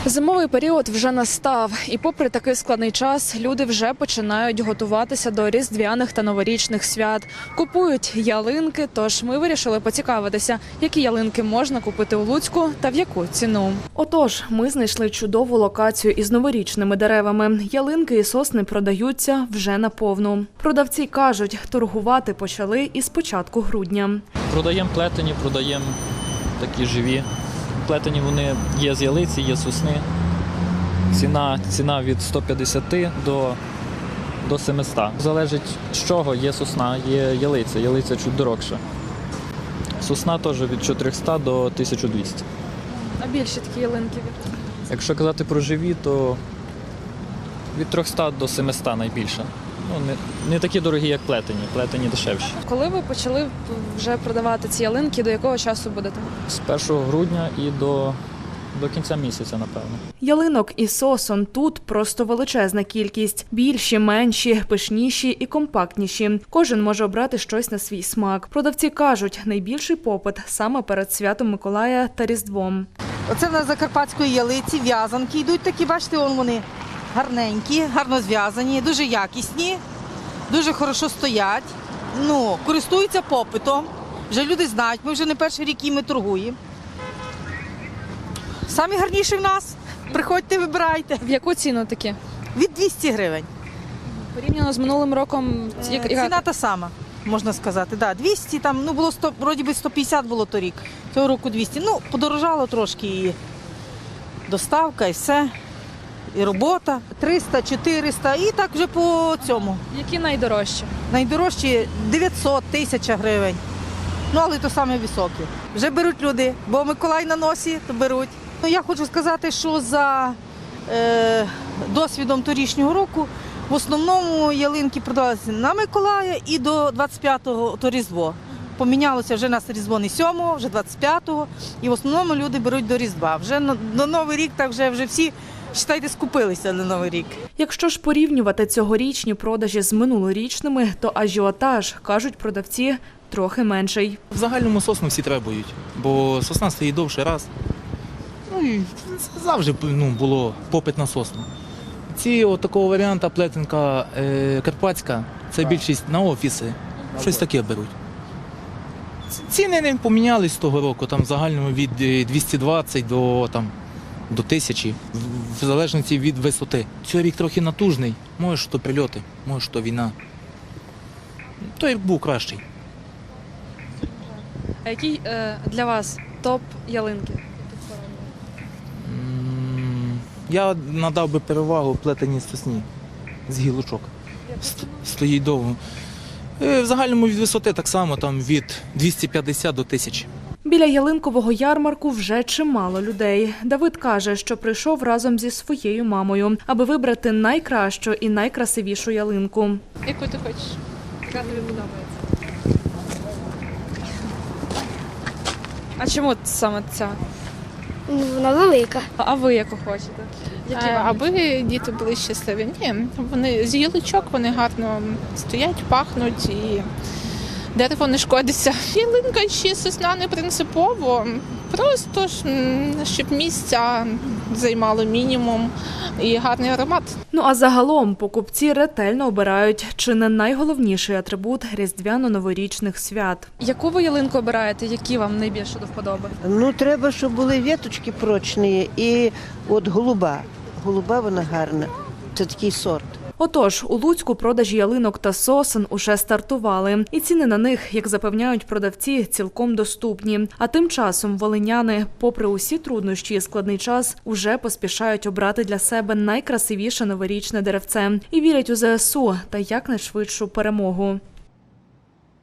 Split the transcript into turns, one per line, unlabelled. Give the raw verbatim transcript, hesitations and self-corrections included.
Зимовий період вже настав, і попри такий складний час, люди вже починають готуватися до різдвяних та новорічних свят. Купують ялинки, тож ми вирішили поцікавитися, які ялинки можна купити у Луцьку та в яку ціну. Отож, ми знайшли чудову локацію із новорічними деревами. Ялинки і сосни продаються вже наповну. Продавці кажуть, торгувати почали із початку грудня.
Продаємо плетені, продаємо такі живі. Плетені вони є з ялиці, є з сосни. Ціна, ціна від ста п'ятдесяти до, до семисот. Залежить з чого, є сосна, є ялиця. Ялиця чуть дорогша. Сосна теж від чотирьохсот до тисячі двісті.
А більші такі ялинки?
Якщо казати про живі, то від трьохсот до семисот найбільше. Ну, не, не такі дорогі, як плетені, плетені дешевші.
Коли ви почали вже продавати ці ялинки, до якого часу будете?
З першого грудня і до, до кінця місяця, напевно.
Ялинок і сосон тут просто величезна кількість. Більші, менші, пишніші і компактніші. Кожен може обрати щось на свій смак. Продавці кажуть, найбільший попит саме перед святом Миколая та Різдвом.
Оце в нас закарпатської ялиці, в'язанки йдуть такі, бачите, вон вони гарненькі, гарно зв'язані, дуже якісні, дуже хорошо стоять, ну, користуються попитом. Вже люди знають, ми вже не перший рік їми торгуємо. Самі гарніші в нас. Приходьте, вибирайте.
В яку ціну такі?
Від двісті гривень.
Порівняно з минулим роком, яка?
Ціна та сама, можна сказати. Да, двісті, там, ну, було сто, вроді би сто п'ятдесят було торік, цього року двісті. Ну, подорожало трошки і доставка, і все. І робота, триста, чотириста, і так вже по цьому.
Які найдорожчі?
Найдорожчі дев'ятсот, тисяча гривень. Ну, але то саме високі. Вже беруть люди, бо Миколай на носі, то беруть. Ну, я хочу сказати, що за е, досвідом торішнього року в основному ялинки продавалися на Миколая і до двадцять п'ятого то Різдво. Помінялося вже на Різдво не сьомого, вже двадцять п'ятого, і в основному люди беруть до Різдва. Вже на, на Новий рік так вже, вже всі, вважайте, скупилися на Новий рік.
Якщо ж порівнювати цьогорічні продажі з минулорічними, то ажіотаж, кажуть продавці, трохи менший.
В загальному сосну всі требують, бо сосна стоїть довше раз. Ну і завжди ну, було попит на сосну. Ці от такого варіанта плетенка е, карпатська, це більшість на офіси, щось таке беруть. Ціни не помінялись з того року, там в загальному від двісті двадцять до, там, до тисячі, в залежності від висоти. Цей рік трохи натужний, може, що прильоти, може, що війна. Той рік був кращий.
А який е, для вас топ ялинки?
М, Я надав би перевагу плетеній сосні з гілочок. Ст- Стоїть довго. Е, В загальному від висоти так само, там від двохсот п'ятдесят до тисячі.
Біля ялинкового ярмарку вже чимало людей. Давид каже, що прийшов разом зі своєю мамою, аби вибрати найкращу і найкрасивішу ялинку.
Яку ти хочеш?
Яка тобі подобається? А чому саме ця?
Ну, вона велика.
А ви яку хочете? Які
Е,
вам?
Аби діти були щасливі. Ні, вони з гілочок, вони гарно стоять, пахнуть і дерево не шкодиться. Ялинка чи сосна не принципово, просто ж, м, щоб місця займало мінімум і гарний аромат.
Ну а загалом покупці ретельно обирають чи не найголовніший атрибут різдвяно-новорічних свят. Яку ви ялинку обираєте? Які вам найбільше до вподоби?
Ну, треба, щоб були веточки прочні і от голуба. Голуба вона гарна. Це такий сорт.
Отож, у Луцьку продажі ялинок та сосен уже стартували. І ціни на них, як запевняють продавці, цілком доступні. А тим часом волиняни, попри усі труднощі і складний час, уже поспішають обрати для себе найкрасивіше новорічне деревце. І вірять у зе ес у та якнайшвидшу перемогу.